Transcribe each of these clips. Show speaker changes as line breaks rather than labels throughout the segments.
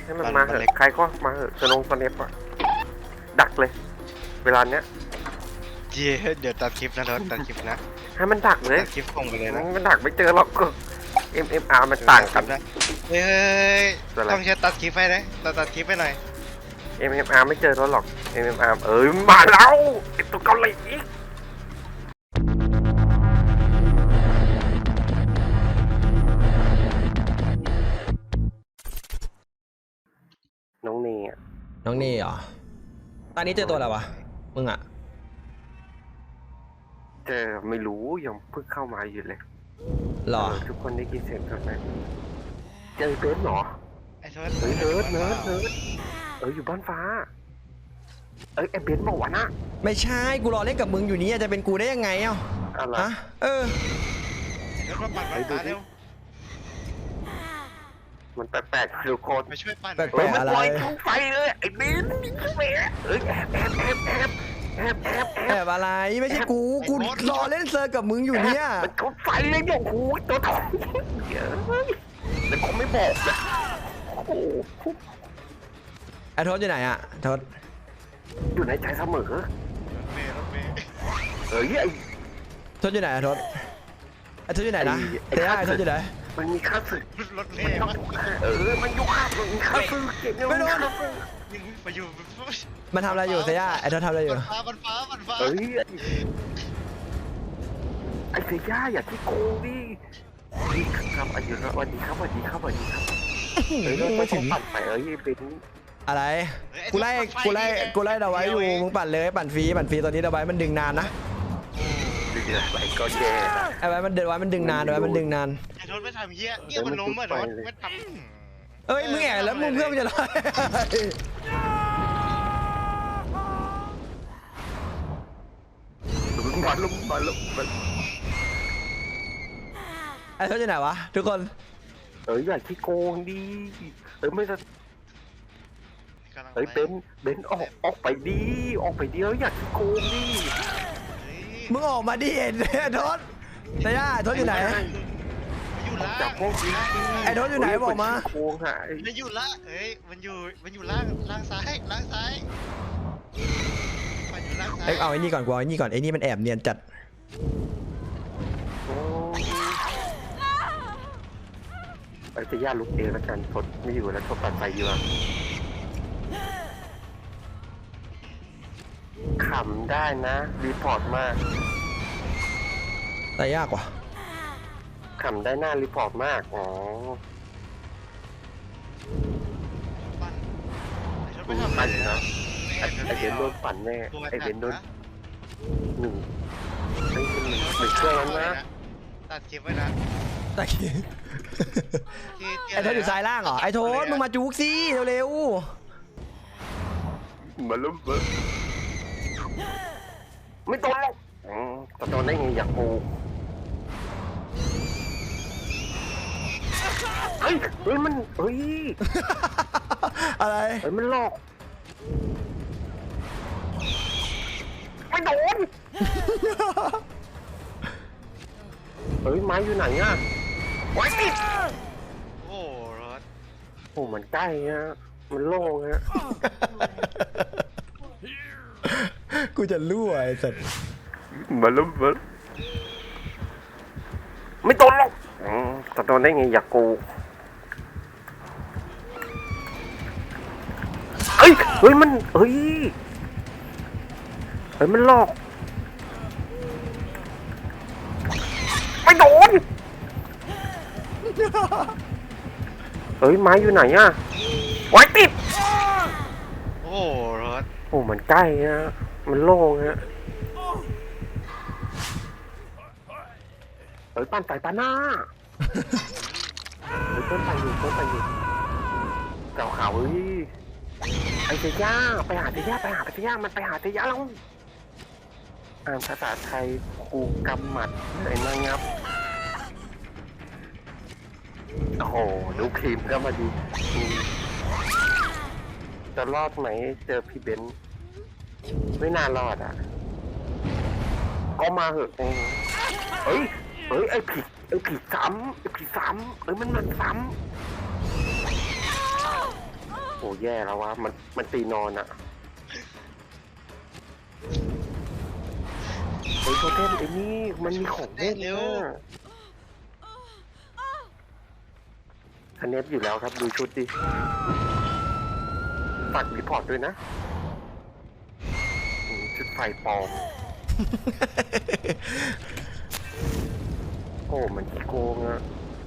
ให้มันมาเถอะใครก็มาเถอะสเนปอะดักเลยเวลาเนี้ย
เดี๋ยวตัดคลิปนะรถตัดคลิปนะ
ให้มันดักเลย
ตัดคลิปส่งไปเลยนะ
มันดักไม่เจอหรอกก็ MMR มันต่างกัน
นะเฮ้ยต้องใช้ตัดคลิปไปเลยตัดคลิปไปหน่อย
MMR ไม่เจอหรอก MMR มาแล้วไอตัวเกาหลีน้องเน่
น้องนี่เหรอตอนนี้เจอตัวอะไรวะมึงอะ
เจอไม่รู้ยังเพิ่งเข้ามาอยู่เลย
หรอ
ทุกคนได้ยินเสียงกันไหมเจอเบิร์ดเหรอ
ไอ้เ
นิร์ดอยู่บ้านฟ้าไอ้เบนบอกว่านะ
ไม่ใช่กูรอเล่นกับมึงอยู่นี้จะเป็นกูได้ยังไงเอ้าฮะ
รถมาปั่นไฟฟ้าเร็ว
มันแปลกๆทุกคน
มาช่วยปั่น
แปลกๆอะไร
ปล่อยทุกไฟเลยไอ้เบนแ
อบอะไรไม่ใช่กูรอเล่นเซอร์กับมึงอยู่เนี่ย
มันเขาไฟเลยโอ้โหตัวทองเยอะแต่เขาไม่บอกนะโอ้โห
ไอ้ทศอยู่ไหนอะทศ
อยู่ในใจเสมอ
รถเมย์
ไอ้
ทศอยู่ไหนอะทศไอ้ทศอยู่ไหนนะไอ้ทศอยู่ไหน
มันมีค่าศึก
รถเมย์
มันยุคค่ามันมีค่าศึกเก็บเงินไม่โดน
มาอยู่
มันทำอะไรอยู่เซียไอ้ทศทำอะไรอยู่
มันฟ้า
ไอ้เซียอย่าที่โกงดิครับอายุวันนี้ครับไม่ถึงปั่นไปเป็น
อะไรกูไล่ดาวไว้อยู่มึงปั่นเลยปั่นฟรีตอนนี้ดาวไว้มันดึงนานนะ
ไปก็แย่
ไอ้ไว้มันดึงนานไอ้มันดึงนาน
ไอ้ทศไม่ทำเหี้ยมันล้มอ่ะทศไม่ท
ำมึงแอบแล้วมึงเพื่อนมันจะไล่
มาลุม
ไอ้ทศอยู่ไหนวะทุกคน
อย่าขี้โกงดิไม่จะเบนออกไปดิอย่าขี้โกงดิ
มึงออกมาดิทศเซียทศอยู่ไหน
จากพวกนี้
ไอ้ทศอยู่ไหนบอกมา
โกงหาย
มันอยู่ละมันอยู่ล่างซ้าย
เอาไอ้นี่ก่อนไอ้นี่มันแอบเนียนจัด
ไอ้เซียลุกเองแล้วกันทดไม่อยู่แล้วทดปัดไฟอยู่ขำได้นะรีพอร์ตมาก
แต่ยากกว่า
ขำได้หน้ารีพอร์ตมากปั่นนะไอเบนโดนปั่นแน่ไอเบนโดนหนึ่งเครื่องนั้นนะ
ตัดคลิปไว้นะ
ไอ้โทษอยู่ซ้ายล่างเหรอไอ้โทษมึงมาจุกสิเร็ว
มาลุ้มไม่โดนหรอกจะโดนได้ไงอยากโกมัน
อะไร
มันหลอกไม่โดนไม้อยู่ไหนอ่ะไว้ติด
รถ
มันใกล้ฮะมันโล่งฮะ
กูจะรั่วไอ้สัตว์
มาลุ้มไม่โดนหรอกจะโดนได้ไงอยากโกมันมันหลอกไม่โดนไม้อยู่ไหนอ่ะไว้ติด
รถ
มันใกล้ฮะมันโล่งฮะปั้นไฟปาหน้าต้นไปอยู่เก่าเขาไอ้เซียไปหาเซียมันไปหาเซียแล้วอ่านภาษาไทยครูกำหมัดเลยนะครับโอ้โหดูครีมก็มาดีจะรอดไหมเจอพี่เบนไม่น่ารอดก็มาเหอะไอ้ผีซ้ำมันซ้ำแย่แล้ววะมันตีนอนอะไอ้โทเทมไอ้นี่มันมีของเล่นเร็วคะแนนอยู่แล้วครับดูชุดดิฝากรีพอร์ตด้วยนะชุดไฟปลอม โอ้มันขี้โกงอะ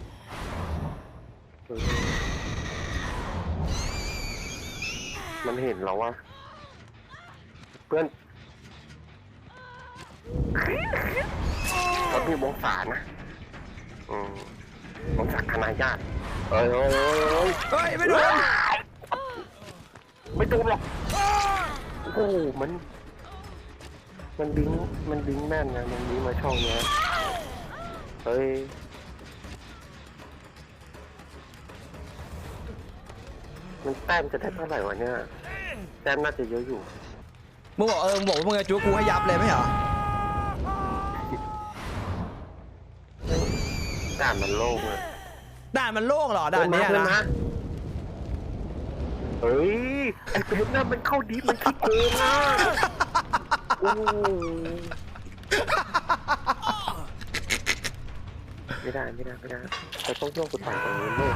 มันเห็นเราว่าเพื่อนเขามีวงศานะวงศาคณะญาติเฮ้ย
ไม่โดน
ไม่โดนหรอกโอ้มันบิงแม่นนะมันบิงมาช่องเนี้ยเฮ้ยมันแต้มจะได้เท่าไหร่วะเนี่ยแต้มน่าจะเยอะอยู่
มึงบอกมึงบอกว่ามึงจะจู๊กูให้ยับเลยไม่เหรอ
ด่านมันโล่งเลย
ด่านมันโล่งเหรอด่านนี้นะ
เฮ้ยไอ้เพชรน่ะมันเข้าดีมันขี้โกงอ่ะโอ้ไม่ได้แต่ต้องโยกกดต่างตรงนี้เลย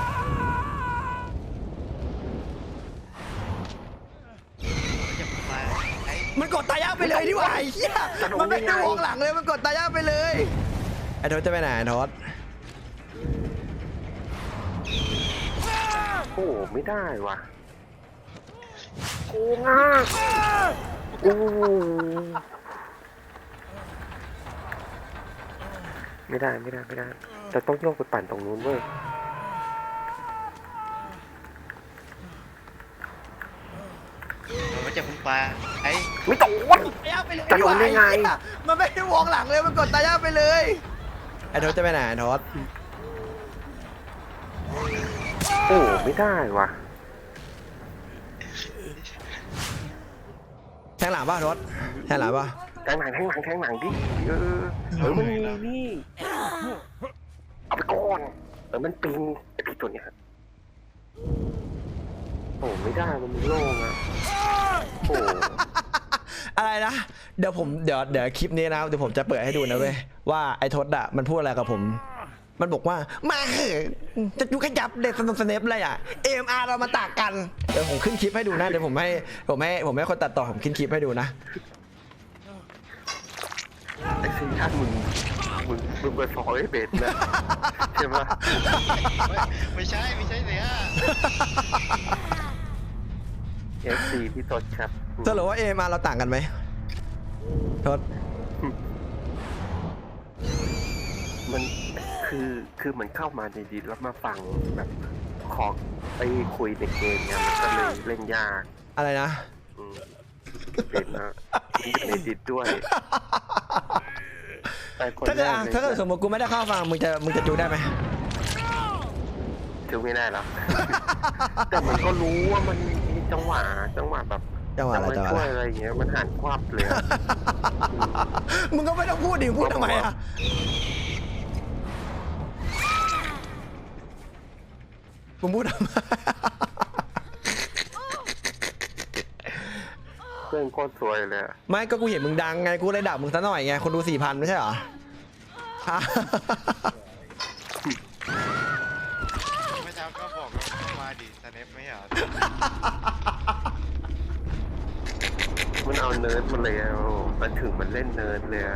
มันกดตายยากไปเลยดีกว่าไอ้เหี้ยมันไม่ได้วงหลังเลยมันกดตายยากไปเลยไอ้ทศจะไปไหนทศ
โอ้ไม่ได้ว่ะโกงอ่ะโอ้ไม่ได้แต่ต้องโยกไปปั่นตรงนู้นเว้ย
มันจะพุ่งปลาไอ้
ไม่ต้องจะโดนได้ไง
มันไม่ได้วงหลังเลยมันกดตายยากไปเลยไอ้ทศจะไปไหนทศ
โอ้ไม่ได้ว่ะ
แทงหลังป่ะทศแทงหลังป่ะ
แทงหลังดิมันมีนี่เอาไปก่อนมันปิงไอ้พี่ตัวเนี้ยโอ้ไม่ได้มันโล่งอ่ะโอ้
อะไรนะเดี๋ยวคลิปนี้นะเดี๋ยวผมจะเปิดให้ดูนะเว้ยว่าไอ้ทศอะมันพูดอะไรกับผมมันบอกว่ามาเหอะจะยุขยับเด็กสเนปอะไรอ่ะ AMR เรามาตากกันเดี๋ยวผมขึ้นคลิปให้ดูนะเดี๋ยวผมให้คนตัดต่อผมขึ้นคลิปให้ดูนะ
ไอ้ซีท่านมึงเปิดฟอยเบสนะใช่ไหม
ไม่ใช่เลยอ่ะ
FC พี่ทศครับ
สรุปว่า AMR เราต่างกันไหมทศ
มันคือเหมือนเข้ามาในดิสแล้วมาฟังแบบขอไปคุยในเกมเนี่ยมันก็เลยเล่นยาก
อะไรนะ
เป็นนะในดิสด้วย
ถ้าเกิดสมมติกูไม่ได้เข้าฟังมึงจะจูได้ไหม
จูไม่ได้หรอกแต่มันก็รู้ว่ามันมีจังหวะแบบช่วยอะไรอย่างเงี้ยมันหันควับเลย
มึงก็ไม่ต้องพูดดิพูดทำไมอ่ะมึงพูดทำไม
เพื่อนโคตรสวยเลย
ไม่ก็กูเห็นมึงดังไงกูเลยด่ามึงซะหน่อยไงคนดู 4,000 ไม่ใช่เหรอ
เมื่อเช้าก็บอกมาดิสเนปไม่เหรอ
มันเอาเนิร์ดมาเลยมันถึงมันเล่นเนิร์ดเลย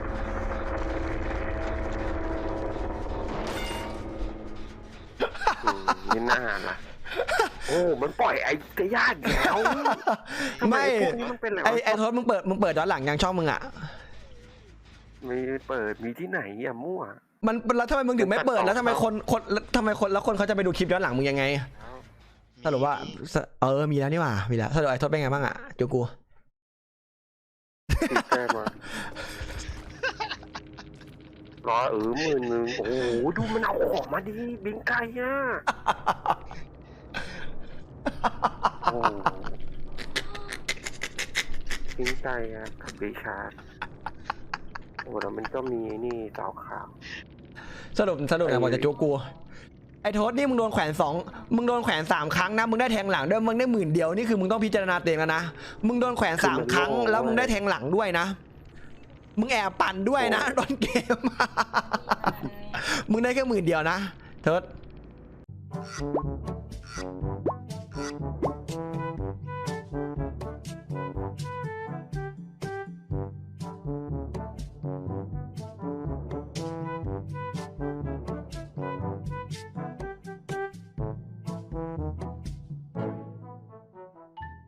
นี่น่าล่ะโอ้มันปล่อยไอ้เตย่าแล้ว
ไม่ไอ้ทศมึงเปิดย้อนหลังยังช่องมึงอ่ะ
ไม่เปิดมีที่ไหนอ่ะมั่ว
มันแล้วทำไมมึงถึงไม่เปิดแล้วทำไมคนเขาจะไปดูคลิปย้อนหลังมึงยังไงสรุปว่ามีแล้วนี่หว่ามีแล้วสรุปไอ้ทศเป็นไงบ้างอ่ะจูกู
ติดแก้มารอ10,000โอ้โหดูมันเอาออกมาดิบิงไก่อ่ะโอ้บิงไก่อ่ะกับบิชาร์ดโอ้แล้วมันก็มีนี่สาวขาว
สรุปไหนบอกจะจูกูไอ้โทษนี่มึงโดนแขวนมึงโดนแขวน3 ครั้งนะมึงได้แทงหลังด้วยมึงได้10,000นี่คือมึงต้องพิจารณาตัวเองแล้วนะมึงโดนแขวน3 ครั้งแล้วมึงได้แทงหลังด้วยนะมึงแอบปั่นด้วยนะโดนเกม มึงได้แค่10,000นะโทษ